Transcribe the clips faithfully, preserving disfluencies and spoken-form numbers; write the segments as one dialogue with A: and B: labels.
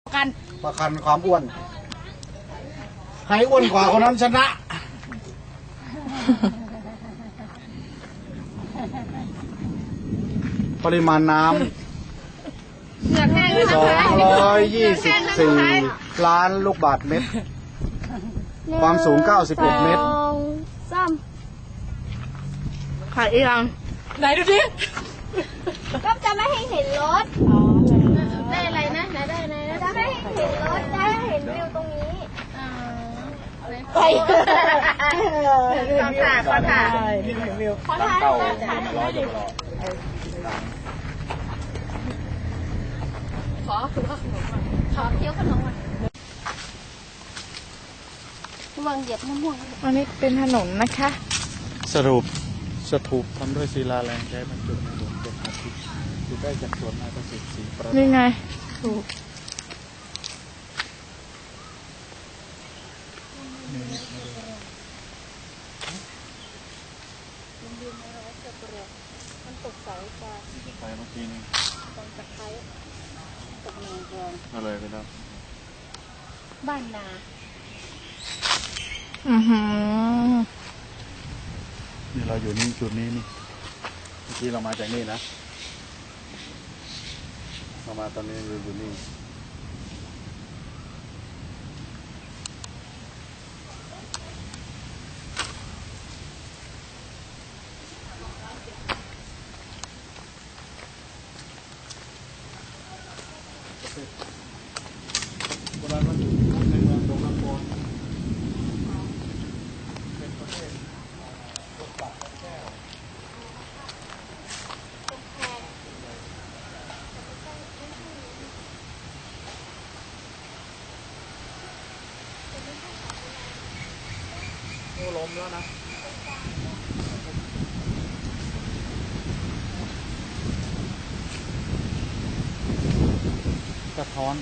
A: กัน
B: ประกันความอ้วนใครอ้วนกว่าคนนั้นชนะปริมาณน้ำสองร้อยยี่สิบสี่ล้านลูกบาศก์เมตรความสูงเก้าสิบหกเมตร
C: ซ้
A: ขายอีกยังไหนดูดิ
C: ำก็จะไม่ให้เห็นรถได้อะไรนะไหนได้ไหนจะไม่ให้เห็นรถจะให้เห็นวิวตรงนี้ไปขอถ่ายขอถ่ายขอถ่ายขอถ่ายขอคือขนมขอเคี้ยวขนมวางเหยียบมะม่วง
A: อันนี้เป็นถนนนะคะ
B: สรุปสถูปทำด้วยศิลาแรงใช้บรรจุในหลวงเป็นอาทิตย์อยู่ใกล้จากสวนนายประสิทธิ์ศรีประ
A: นี่ไงถูกมันตกใสกว่า
B: ไปเมื่อกี้นี่
A: ตรงตะไคร้ตกเมืองทอง
B: ก็เลยไปแล้ว
A: บ้านนาอือหือ
B: นี่เราอยู่นี่จุดนี้นี่เมื่อกี้เรามาจากนี่นะเรามาตอนนี้เราอยู่นี่โบราณวัตถุในเมืองดงน้ำโพนเป็นประเทศตกปลาแก้วโอ้ล้มแล้วนะสะท้อน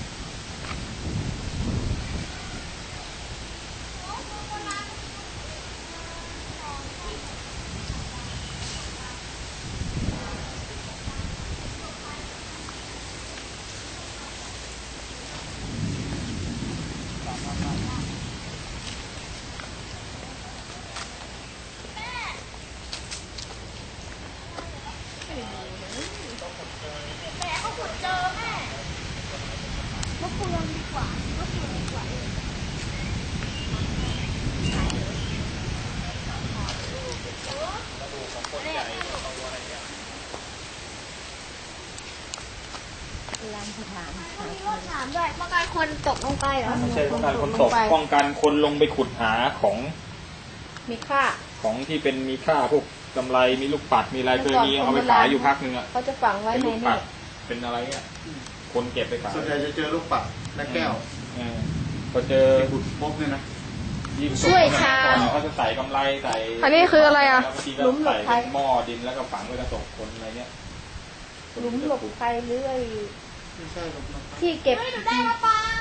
C: ถามด้วยป้องกันคนตกลงไปเหรอ
D: ไม่ใช่ป้องกันคนตกป้องกันคนลงไปขุดหาของ
C: มีค่า
D: ของที่เป็นมีค่าพวกกำไรมีลูกปัดมีอะไรเคยมีเอาไปขายอยู่พักนึงอ่ะ
C: เขาจะฝังไว้ใน
D: นี่เป็นอะไรเงี้ยคนเก็บไปขาย
B: ส่วนใหญ่จะเจอลูกปัดและแก้ว
D: พอเจอ
B: ขุดพบเนี่ยนะ
C: ช่วยชา
D: เขาจะใส่กำไรใส่
A: อันนี้คืออะไรอ่ะ
D: หลุมหลบภัยหม้อดินแล้วก็ฝังไว้กระสอบคนอะไรเงี้ย
C: หลุมหลบภัยหรือไอ้ที่เก็บได้มาปัง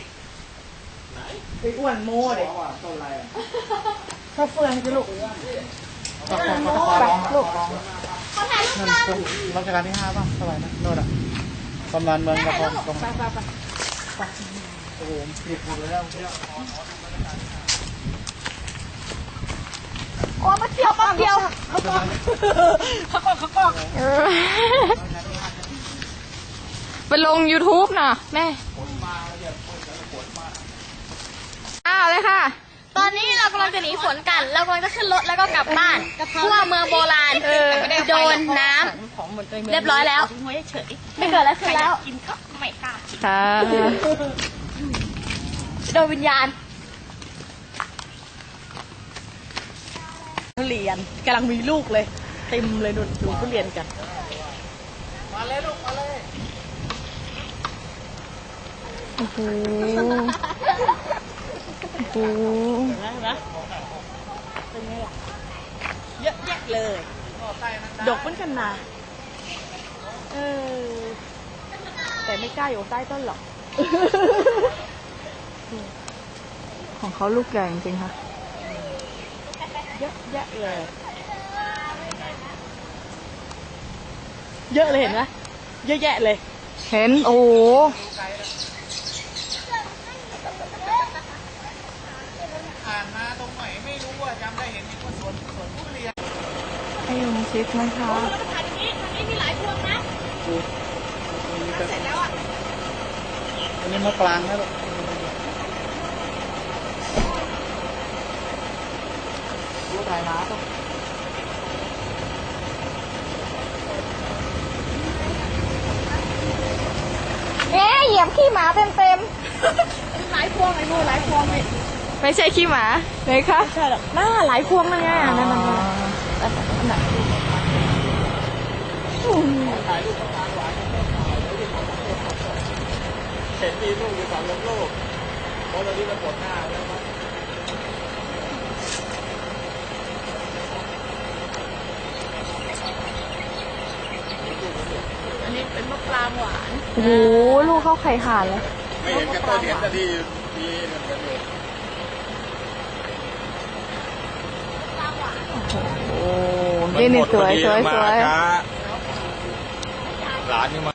A: ไปอ้วนโม่เด็ก
B: ต้นอะไรอ่ะ
A: ข้าวเฟืองจะลูก
B: ตะคองตะคองลูก
C: เขาถ่ายรูปกัน
B: รัชกาลที่ห้าป่ะสมัยนั้นโน่นอ่ะกำนันเมืองตะคองตรง
C: ไปไปไป
B: โอ้โหผิดหมดเลยแล้ว
C: โอ้มาเที่ยวมาเที่ยวเขาก็เขาก็เขาก็
A: ไปลง ยูทูบ น่ะแม่อ้าวเลยค่ะ
C: ตอนนี้เรากำลังจะหนีฝนกันเรากำลังจะขึ้นรถแล้วก็กลับบ้านทั่วเมืองโบราณโดนน้ำเรียบร้อยแล้วไม่เกิดอะไรขึ้นแล้วกินก็ไม่กล้า
A: ค่ะ
C: โดนวิญญาณ
A: ทุเรียนกำลังมีลูกเลยเต็มเลยดูดูทุเรียนกัน
B: มาเลยลูกมาเลย
A: โอ้โหโอ้โห
C: นะเป็นไงล่ะเยอะแยะเลย
A: ดกเหมือนกันนะเออแต่ไม่กล้าอยู่ใต้ต้นหรอกของเขาลูกใหญ่จริงๆค่ะเยอะแยะเลยเยอะเลยเห็นไหมเยอะแยะเลยเห็นโอ้โหให้ลุงชิดนะคะ
B: อันนี้มะปรางนะลูก
A: ดูถ่ายน้ำ
C: เอ๊ะเหยียบขี้หมาเต็มเต็ม
A: หลายพวงไอ้นู่นหลายพวงเลยไม่ใช่ขี้หมาเลยค่ะใช่หรอกหน้าหลายพวงนั่นไงนั่นนั่นนั่นนั่นนั่น
D: เห็นมีลูกอยู่สามลมลูกเพราะตอนนี้มันปวดหน้าแล้วครับ
A: อันนี้เป็นมะปรางหวานโอ้โหลูกเข้าไข่ห่านเลย
D: ไม่เห็นก็ต้นเห็นแต่ที่มีเหมือนกันอยู่
A: โอ้นี่นี่สวยสวยสวย
D: หลานนี่มา